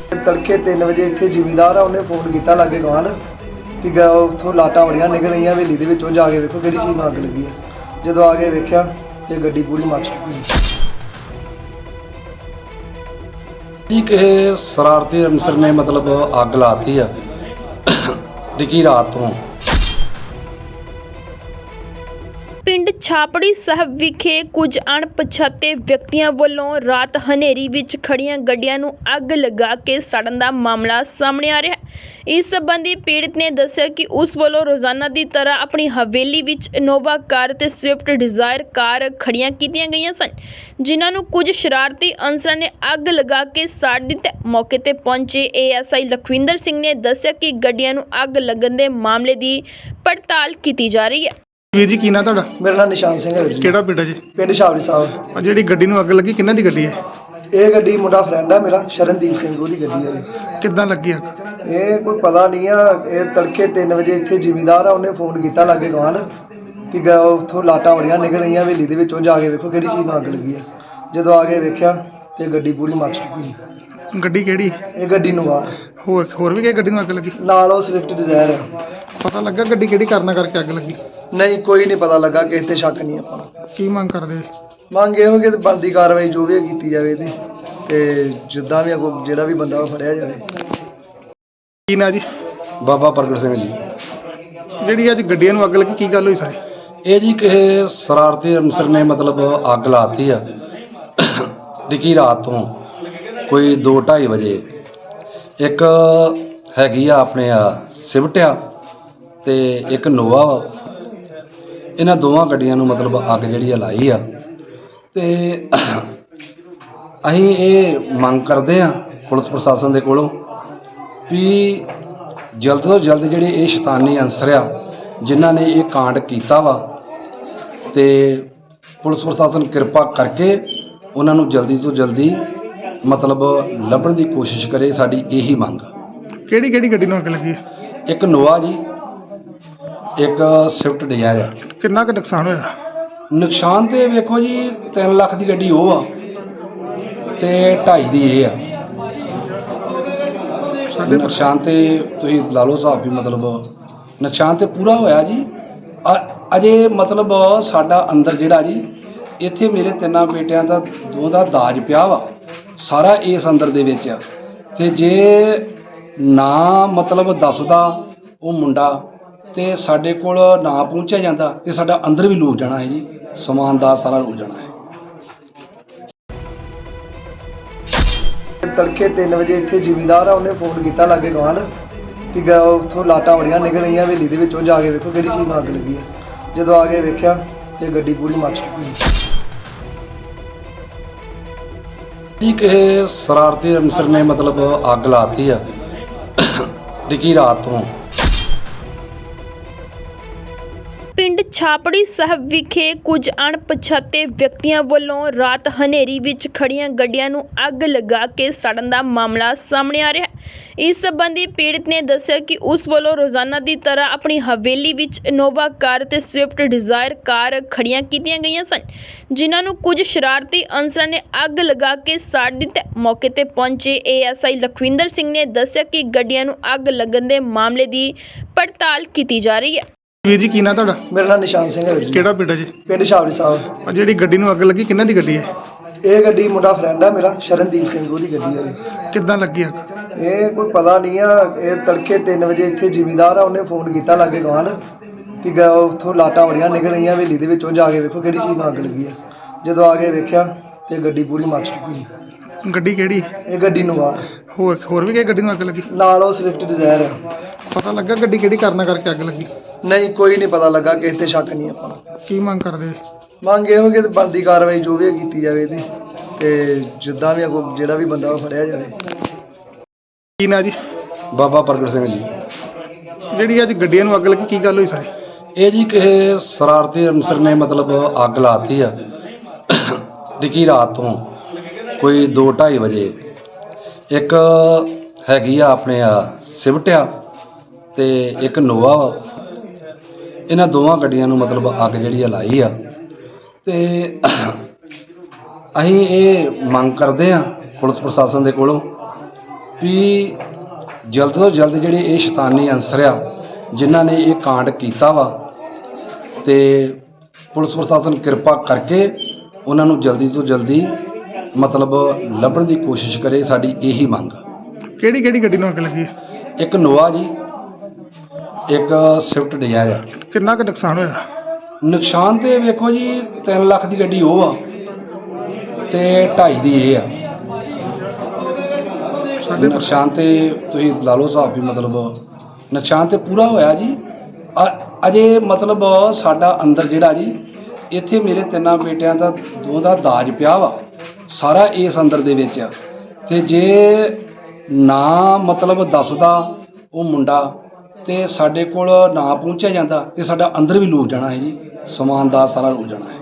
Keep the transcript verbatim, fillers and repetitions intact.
तड़के तीन बजे इत्थे जिमीदार आ उन्हें फोन किया लागे गवान कि उतों लाटा बड़िया निकल रही हवेली के विचों जाके वेखो किहड़ी चीज़ नूं अग लगी है। जो आगे वेख्या तो गड्डी पूरी मच चुकी जी किसी शरारती अनसर ने मतलब अग लाती है डिकी रात तो। ਪਿੰਡ ਛਾਪੜੀ ਸਾਹਿਬ ਵਿਖੇ ਕੁਝ ਅਣਪਛਾਤੇ ਵਿਅਕਤੀਆਂ ਵੱਲੋਂ ਰਾਤ ਹਨੇਰੀ ਵਿੱਚ ਖੜੀਆਂ ਗੱਡੀਆਂ ਨੂੰ ਅੱਗ ਲਗਾ ਕੇ ਸੜਨ ਦਾ ਮਾਮਲਾ ਸਾਹਮਣੇ ਆ ਰਿਹਾ ਹੈ। ਇਸ ਸੰਬੰਧੀ ਪੀੜਤ ਨੇ ਦੱਸਿਆ ਕਿ ਉਸ ਵੱਲੋਂ ਰੋਜ਼ਾਨਾ ਦੀ ਤਰ੍ਹਾਂ ਆਪਣੀ ਹਵੇਲੀ ਵਿੱਚ ਇਨੋਵਾ ਕਾਰ ਤੇ ਸਵਿਫਟ ਡਿਜ਼ਾਇਰ ਕਾਰ ਖੜੀਆਂ ਕੀਤੀਆਂ ਗਈਆਂ ਸਨ, ਜਿਨ੍ਹਾਂ ਨੂੰ ਕੁਝ ਸ਼ਰਾਰਤੀ ਅਨਸਰਾਂ ਨੇ ਅੱਗ ਲਗਾ ਕੇ ਸਾੜ ਦਿੱਤਾ। ਮੌਕੇ ਤੇ ਪਹੁੰਚੇ A S I Lakhwinder Singh ਨੇ ਦੱਸਿਆ ਕਿ ਗੱਡੀਆਂ ਨੂੰ ਅੱਗ ਲੱਗਣ ਦੇ ਮਾਮਲੇ ਦੀ ਪੜਤਾਲ ਕੀਤੀ ਜਾ ਰਹੀ ਹੈ। ਵੀਰ ਜੀ ਕੀ ਨਾਂ ਤੁਹਾਡਾ? मेरा नाम निशान सिंह है जी। ਕਿਹੜਾ ਪਿੰਡ ਹੈ ਜੀ? पिंड छावड़ी साहब। ਆ ਜਿਹੜੀ ਗੱਡੀ ਨੂੰ ਅੱਗ ਲੱਗੀ ਕਿੰਨਾਂ ਦੀ ਗੱਡੀ ਹੈ? ये गड्डी मुंडा फ्रेंड है मेरा शरणदीप सिंह ਉਹਦੀ ਗੱਡੀ है। ਕਿੱਦਾਂ ਲੱਗੀ ਅੱਗ? ਇਹ ਕੋਈ ਪਤਾ ਨਹੀਂ ਆ ਇਹ ਤੜਕੇ ਤਿੰਨ ਵਜੇ ਇੱਥੇ ਜ਼ਿਮੀਦਾਰ ਆ ਉਹਨੇ ਫੋਨ ਕੀਤਾ ਲਾਗੇ ਗਵਾਨ ਕਿ ਗਾ ਉੱਥੋਂ ਲਾਟਾਂ ਬੜੀਆਂ ਨਿਕਲ ਰਹੀਆਂ ਹਵੇਲੀ ਦੇ ਵਿੱਚੋਂ ਜਾ ਕੇ ਵੇਖੋ ਕਿਹੜੀ ਚੀਜ਼ ਨੂੰ ਅੱਗ ਲੱਗੀ ਹੈ। ਜਦੋਂ ਆ ਕੇ ਵੇਖਿਆ ਤੇ ਗੱਡੀ ਪੂਰੀ ਮੱਚ ਚੁੱਕੀ। ਗੱਡੀ ਕਿਹੜੀ? ਇਹ ਗੱਡੀ ਨੂੰ ਆ ਹੋਰ ਹੋਰ ਵੀ ਕਿਹੜੀ ਗੱਡੀ ਨੂੰ ਅੱਗ ਲੱਗੀ? ਨਾਲ ਉਹ ਸਵਿਫਟ ਡਿਜ਼ਾਇਰ ਹੈ। ਪਤਾ ਲੱਗਾ ਗੱਡੀ ਕਿਹੜੀ ਕਾਰਨਾਂ ਕਰਕੇ ਅੱਗ ਲੱਗੀ? ਨਹੀਂ ਕੋਈ ਨਹੀਂ ਪਤਾ ਲੱਗਾ, ਕਿਸੇ ਤੇ ਸ਼ੱਕ ਨਹੀਂ ਆਪਾਂ ਨੂੰ। ਕੀ ਮੰਗ ਕਰਦੇ? ਮੰਗ ਇਹੋ ਕਿ ਬਣਦੀ ਕਾਰਵਾਈ ਜੋ ਵੀ ਕੀਤੀ ਜਾਵੇ ਤੇ ਤੇ ਜਿੱਦਾਂ ਵੀ ਅੱਗੋਂ ਜਿਹੜਾ ਵੀ ਬੰਦਾ ਉਹ ਫੜਿਆ ਜਾਵੇ। ਕੀ ਨਾਂ ਜੀ? ਬਾਬਾ ਪ੍ਰਗਟ ਸਿੰਘ ਜੀ। ਜਿਹੜੀ ਅੱਜ ਗੱਡੀਆਂ ਨੂੰ ਅੱਗ ਲੱਗੀ ਕੀ ਗੱਲ ਹੋਈ ਸਾਰੀ? ਇਹ ਜੀ ਕਿਸੇ ਸ਼ਰਾਰਤੀ ਅਨਸਰ ਨੇ ਮਤਲਬ ਅੱਗ ਲਾਤੀ ਆ ਡਿਕੀ ਰਾਤ ਤੋਂ ਕੋਈ ਦੋ ਢਾਈ ਵਜੇ। ਇੱਕ ਹੈਗੀ ਆ ਆਪਣੇ ਆ ਸਿਵਟ ਆ ਤੇ ਇੱਕ ਨੋਵਾ ਵਾ। ਇਹਨਾਂ ਦੋਵਾਂ ਗੱਡੀਆਂ ਨੂੰ ਮਤਲਬ ਅੱਗ ਜਿਹੜੀ ਆ ਲਾਈ ਆ ਤੇ ਅਸੀਂ ਇਹ ਮੰਗ ਕਰਦੇ ਆ ਪੁਲਿਸ ਪ੍ਰਸ਼ਾਸਨ ਦੇ ਕੋਲੋਂ ਵੀ ਜਲਦ ਤੋਂ ਜਲਦ ਜਿਹੜੇ ਇਹ ਸ਼ੈਤਾਨੀ ਅਨਸਰ ਆ ਜਿਨ੍ਹਾਂ ਨੇ ਇਹ ਕਾਂਡ ਕੀਤਾ ਵਾ ਤੇ ਪੁਲਿਸ ਪ੍ਰਸ਼ਾਸਨ ਕਿਰਪਾ ਕਰਕੇ ਉਹਨਾਂ ਨੂੰ ਜਲਦੀ ਤੋਂ ਜਲਦੀ ਮਤਲਬ ਲੱਭਣ ਦੀ ਕੋਸ਼ਿਸ਼ ਕਰੇ। ਸਾਡੀ ਇਹੀ ਮੰਗ। ਕਿਹੜੀ ਕਿਹੜੀ ਗੱਡੀ ਨੂੰ ਅੱਗ ਲੱਗੀ ਹੈ? ਇੱਕ ਨੋਵਾ ਜੀ, ਇੱਕ ਸਵਿਫਟ ਡਿਜ਼ਾਇਰ ਆ। ਕਿੰਨਾ ਕੁ ਨੁਕਸਾਨ ਹੋਇਆ? ਨੁਕਸਾਨ ਤੇ ਵੇਖੋ ਜੀ ਤਿੰਨ ਲੱਖ ਦੀ ਗੱਡੀ ਉਹ ਆ ਤੇ ਢਾਈ ਦੀ ਇਹ ਆ। ਸਾਡੇ ਨੁਕਸਾਨ ਤੇ ਤੁਸੀਂ ਲਾ ਲਓ ਹਿਸਾਬ ਵੀ ਮਤਲਬ ਨੁਕਸਾਨ ਤੇ ਪੂਰਾ ਹੋਇਆ ਜੀ। ਅ- ਅਜੇ ਮਤਲਬ ਸਾਡਾ ਅੰਦਰ ਜਿਹੜਾ ਜੀ ਇੱਥੇ ਮੇਰੇ ਤਿੰਨਾਂ ਬੇਟਿਆਂ ਦਾ ਦੋ ਦਾ ਦਾਜ ਪਿਆ ਵਾ ਸਾਰਾ ਇਸ ਅੰਦਰ ਦੇ ਵਿੱਚ ਆ। ਤੇ ਜੇ ਨਾ ਮਤਲਬ ਦੱਸਦਾ ਉਹ ਮੁੰਡਾ ਤੇ ਸਾਡੇ ਕੋਲ ਨਾ ਪਹੁੰਚਿਆ ਜਾਂਦਾ ਤੇ ਸਾਡਾ ਅੰਦਰ ਵੀ ਲੁੱਟ ਜਾਣਾ ਹੈ ਜੀ, ਸਮਾਨ ਦਾ ਸਾਰਾ ਲੁੱਟ ਜਾਣਾ ਹੈ। ਤੜਕੇ ਤਿੰਨ ਵਜੇ ਇੱਥੇ ਜ਼ਿਮੀਦਾਰ ਆ ਉਹਨੇ ਫੋਨ ਕੀਤਾ ਲਾਗੇ ਗਵਾਨ ਕਿ ਗਾ ਉੱਥੋਂ ਲਾਟਾਂ ਬੜੀਆਂ ਨਿਕਲ ਰਹੀਆਂ ਹਵੇਲੀ ਦੇ ਵਿੱਚੋਂ ਜਾ ਕੇ ਵੇਖੋ ਕਿਹੜੀ ਚੀਜ਼ ਨੂੰ ਅੱਗ ਲੱਗੀ ਹੈ। ਜਦੋਂ ਆ ਕੇ ਵੇਖਿਆ ਤੇ ਗੱਡੀ ਪੂਰੀ ਮੱਚ ਚੁੱਕੀ। ਜੀ ਕਿਸੇ ਸ਼ਰਾਰਤੀ ਅਨਸਰ ਨੇ ਮਤਲਬ ਅੱਗ ਲਾਤੀ ਆ ਡਿਕੀ ਰਾਤ ਤੋਂ। ਪਿੰਡ ਛਾਪੜੀ ਸਾਹਿਬ ਵਿਖੇ ਕੁਝ ਅਣਪਛਾਤੇ ਵਿਅਕਤੀਆਂ ਵੱਲੋਂ ਰਾਤ ਹਨੇਰੀ ਵਿੱਚ ਖੜੀਆਂ ਗੱਡੀਆਂ ਨੂੰ ਅੱਗ ਲਗਾ ਕੇ ਸੜਨ ਦਾ ਮਾਮਲਾ ਸਾਹਮਣੇ ਆ ਰਿਹਾ ਹੈ। ਇਸ ਸੰਬੰਧੀ ਪੀੜਤ ਨੇ ਦੱਸਿਆ ਕਿ ਉਸ ਵੱਲੋਂ ਰੋਜ਼ਾਨਾ ਦੀ ਤਰ੍ਹਾਂ ਆਪਣੀ ਹਵੇਲੀ ਵਿੱਚ ਇਨੋਵਾ ਕਾਰ ਤੇ ਸਵਿਫਟ ਡਿਜ਼ਾਇਰ ਕਾਰ ਖੜੀਆਂ ਕੀਤੀਆਂ ਗਈਆਂ ਸਨ, ਜਿਨ੍ਹਾਂ ਨੂੰ ਕੁਝ ਸ਼ਰਾਰਤੀ ਅਨਸਰਾਂ ਨੇ ਅੱਗ ਲਗਾ ਕੇ ਸਾੜ ਦਿੱਤਾ। ਮੌਕੇ ਤੇ ਪਹੁੰਚੇ A S I Lakhwinder Singh ਨੇ ਦੱਸਿਆ ਕਿ ਗੱਡੀਆਂ ਨੂੰ ਅੱਗ ਲੱਗਣ ਦੇ ਮਾਮਲੇ ਦੀ ਪੜਤਾਲ ਕੀਤੀ ਜਾ ਰਹੀ ਹੈ। ਵੀਰ ਜੀ ਕੀ ਨਾਂ ਤੁਹਾਡਾ? ਮੇਰਾ ਨਾਮ ਨਿਸ਼ਾਨ ਸਿੰਘ ਹੈ ਜੀ। ਕਿਹੜਾ ਪਿੰਡ ਹੈ ਜੀ? ਪਿੰਡ ਛਾਵੜੀ ਸਾਹਿਬ। ਆ ਜਿਹੜੀ ਗੱਡੀ ਨੂੰ ਅੱਗ ਲੱਗੀ ਕਿੰਨਾਂ ਦੀ ਗੱਡੀ ਹੈ? ਇਹ ਗੱਡੀ ਮੁੰਡਾ ਫਰੈਂਡ ਹੈ ਮੇਰਾ ਸ਼ਰਨਦੀਪ ਸਿੰਘ ਉਹਦੀ ਗੱਡੀ ਹੈ। ਕਿੱਦਾਂ ਲੱਗੀ ਅੱਗ? ਇਹ ਕੋਈ ਪਤਾ ਨਹੀਂ ਆ ਇਹ ਤੜਕੇ ਤਿੰਨ ਵਜੇ ਇੱਥੇ ਜ਼ਿਮੀਦਾਰ ਆ ਉਹਨੇ ਫੋਨ ਕੀਤਾ ਲਾਗੇ ਗਵਾਨ ਕਿ ਗਾ ਉੱਥੋਂ ਲਾਟਾਂ ਬੜੀਆਂ ਨਿਕਲ ਰਹੀਆਂ ਹਵੇਲੀ ਦੇ ਵਿੱਚੋਂ ਜਾ ਕੇ ਵੇਖੋ ਕਿਹੜੀ ਚੀਜ਼ ਨੂੰ ਅੱਗ ਲੱਗੀ ਹੈ। ਜਦੋਂ ਆ ਕੇ ਵੇਖਿਆ ਤੇ ਗੱਡੀ ਪੂਰੀ ਮੱਚ ਚੁੱਕੀ। ਗੱਡੀ ਕਿਹੜੀ? ਇਹ ਗੱਡੀ ਨੂੰ ਆ ਹੋਰ ਹੋਰ ਵੀ ਕਿਹੜੀ ਗੱਡੀ ਨੂੰ ਅੱਗ ਲੱਗੀ? ਨਾਲ ਉਹ ਸਵਿਫਟ ਡਿਜ਼ਾਇਰ ਹੈ। ਪਤਾ ਲੱਗਾ ਗੱਡੀ ਕਿਹੜੀ ਕਾਰਨਾਂ ਕਰਕੇ ਅੱਗ ਲੱਗੀ? ਨਹੀਂ ਕੋਈ ਨਹੀਂ ਪਤਾ ਲੱਗਾ, ਕਿਸੇ ਤੇ ਸ਼ੱਕ ਨਹੀਂ ਆਪਾਂ ਨੂੰ। ਕੀ ਮੰਗ ਕਰਦੇ? ਮੰਗ ਇਹੋ ਕਿ ਬਣਦੀ ਕਾਰਵਾਈ ਜੋ ਵੀ ਕੀਤੀ ਜਾਵੇ ਤੇ ਤੇ ਜਿੱਦਾਂ ਵੀ ਅੱਗੋਂ ਜਿਹੜਾ ਵੀ ਬੰਦਾ ਉਹ ਫੜਿਆ ਜਾਵੇ। ਕੀ ਨਾਂ ਜੀ? ਬਾਬਾ ਪ੍ਰਗਟ ਸਿੰਘ ਜੀ। ਜਿਹੜੀ ਅੱਜ ਗੱਡੀਆਂ ਨੂੰ ਅੱਗ ਲੱਗੀ ਕੀ ਗੱਲ ਹੋਈ ਸਾਰੀ? ਇਹ ਜੀ ਕਿਸੇ ਸ਼ਰਾਰਤੀ ਅਨਸਰ ਨੇ ਮਤਲਬ ਅੱਗ ਲਾਤੀ ਆ ਡਿਕੀ ਰਾਤ ਤੋਂ ਕੋਈ ਦੋ ਢਾਈ ਵਜੇ। ਇੱਕ ਹੈਗੀ ਆ ਆਪਣੇ ਆ ਸਿਵਟ ਆ ਤੇ ਇੱਕ ਨੋਵਾ ਵਾ। ਇਹਨਾਂ ਦੋਵਾਂ ਗੱਡੀਆਂ ਨੂੰ ਮਤਲਬ ਅੱਗ ਜਿਹੜੀ ਆ ਲਾਈ ਆ ਤੇ ਅਸੀਂ ਇਹ ਮੰਗ ਕਰਦੇ ਆ ਪੁਲਿਸ ਪ੍ਰਸ਼ਾਸਨ ਦੇ ਕੋਲੋਂ ਵੀ ਜਲਦ ਤੋਂ ਜਲਦ ਜਿਹੜੇ ਇਹ ਸ਼ੈਤਾਨੀ ਅਨਸਰ ਆ ਜਿਨ੍ਹਾਂ ਨੇ ਇਹ ਕਾਂਡ ਕੀਤਾ ਵਾ ਤੇ ਪੁਲਿਸ ਪ੍ਰਸ਼ਾਸਨ ਕਿਰਪਾ ਕਰਕੇ ਉਹਨਾਂ ਨੂੰ ਜਲਦੀ ਤੋਂ ਜਲਦੀ ਮਤਲਬ ਲੱਭਣ ਦੀ ਕੋਸ਼ਿਸ਼ ਕਰੇ, ਸਾਡੀ ਇਹੀ ਮੰਗ। ਕਿਹੜੀ ਕਿਹੜੀ ਗੱਡੀ ਨੂੰ ਅੱਗ ਲੱਗੀ ਹੈ? ਇੱਕ ਨੋਵਾ ਜੀ, ਇੱਕ ਸਵਿਫਟ ਡਿਜ਼ਾਇਰ ਆ। ਕਿੰਨਾ ਕੁ ਨੁਕਸਾਨ ਹੋਇਆ? ਨੁਕਸਾਨ ਤੇ ਵੇਖੋ ਜੀ ਤਿੰਨ ਲੱਖ ਦੀ ਗੱਡੀ ਉਹ ਆ ਤੇ ਢਾਈ ਦੀ ਇਹ ਆ। ਸਾਡੇ ਨੁਕਸਾਨ ਤੇ ਤੁਸੀਂ ਲਾ ਲਓ ਹਿਸਾਬ ਵੀ, ਮਤਲਬ ਨੁਕਸਾਨ ਤੇ ਪੂਰਾ ਹੋਇਆ ਜੀ। ਅ- ਅਜੇ ਮਤਲਬ ਸਾਡਾ ਅੰਦਰ ਜਿਹੜਾ ਜੀ ਇੱਥੇ ਮੇਰੇ ਤਿੰਨਾਂ ਬੇਟਿਆਂ ਦਾ ਦੋ ਦਾ ਦਾਜ ਪਿਆ ਵਾ ਸਾਰਾ ਇਸ ਅੰਦਰ ਦੇ ਵਿੱਚ ਆ। ਤੇ ਜੇ ਨਾ ਮਤਲਬ ਦੱਸਦਾ ਉਹ ਮੁੰਡਾ ਤੇ ਸਾਡੇ ਕੋਲ ਨਾ ਪਹੁੰਚਿਆ ਜਾਂਦਾ ਤੇ ਸਾਡਾ ਅੰਦਰ ਵੀ ਲੁੱਟ ਜਾਣਾ ਹੈ ਜੀ, ਸਮਾਨ ਦਾ ਸਾਰਾ ਲੁੱਟ ਜਾਣਾ ਹੈ।